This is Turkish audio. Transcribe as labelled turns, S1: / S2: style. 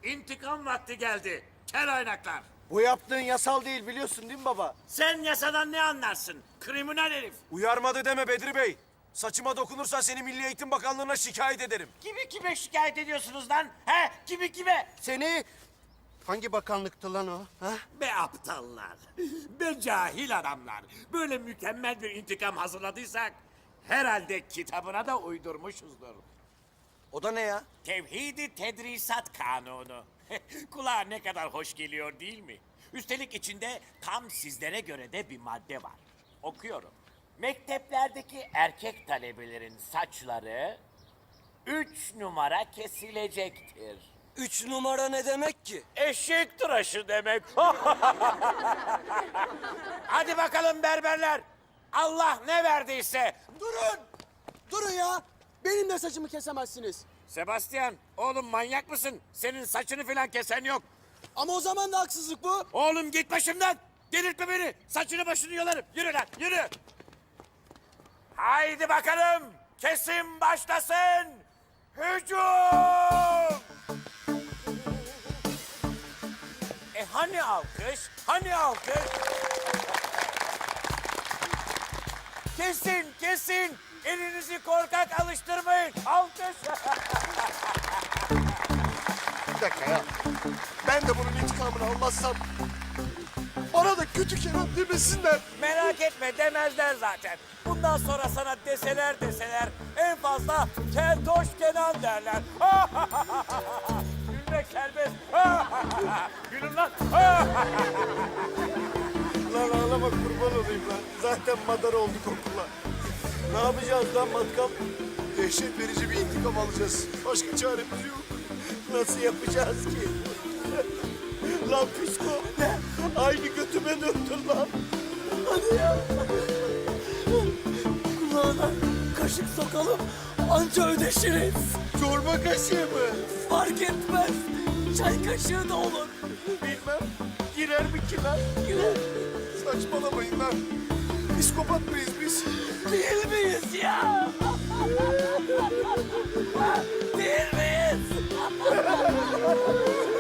S1: İntikam vakti geldi. Kel oynaklar.
S2: Bu yaptığın yasal değil biliyorsun değil mi baba?
S1: Sen yasadan ne anlarsın? Kriminal herif.
S3: Uyarmadı deme Bedri Bey. Saçıma dokunursan seni Milli Eğitim Bakanlığı'na şikayet ederim.
S1: Kimi kime şikayet ediyorsunuz lan? He? Kimi kime?
S2: Seni hangi bakanlıktı lan o? Ha?
S1: Be aptallar. Be cahil adamlar. Böyle mükemmel bir intikam hazırladıysak herhalde kitabına da uydurmuşuzdur.
S3: O da ne ya?
S1: Tevhid-i Tedrisat Kanunu. Kulağa ne kadar hoş geliyor değil mi? Üstelik içinde tam sizlere göre de bir madde var. Okuyorum. Mekteplerdeki erkek talebelerin saçları 3 numara kesilecektir.
S3: 3 numara ne demek ki?
S1: Eşek tıraşı demek. Hadi bakalım berberler. Allah ne verdiyse.
S4: Durun! Durun ya! Benim de saçımı kesemezsiniz.
S1: Sebastian, oğlum manyak mısın? Senin saçını falan kesen yok.
S4: Ama o zaman da haksızlık bu.
S1: Oğlum git başımdan. Delirtme beni. Saçını başını yolarım. Yürü lan, yürü. Haydi bakalım. Kesim başlasın. Hücum! Hani alkış? Hani alkış? Kesin, kesin. Elinizi korkak alıştırmayın. Alkış.
S2: Bir dakika ya. Ben de bunun intikamını almazsam bana da kötü Kenan demesinler.
S1: Merak etme demezler zaten. Bundan sonra sana deseler en fazla Keltoş Kenan derler. Gülmek serbest. Gülün lan.
S2: Lan ağlama kurban olayım lan. Zaten madar olduk okula. Ne yapacağız lan matkap? Dehşet verici bir intikam alacağız. Başka çaremiz yok. Nasıl yapacağız ki? Lan psiko. Aynı götüme döndün lan.
S4: Hadi ya. Kulağına kaşık sokalım. Anca ödeşiriz.
S2: Çorba kaşığı mı?
S4: Fark etmez. Çay kaşığı da olur.
S2: Bilmem. Girer mi ki lan?
S4: Girer.
S2: Saçmalamayın lan. Psikopat mıyız biz?
S4: Değil miyiz ya? Değil miyiz?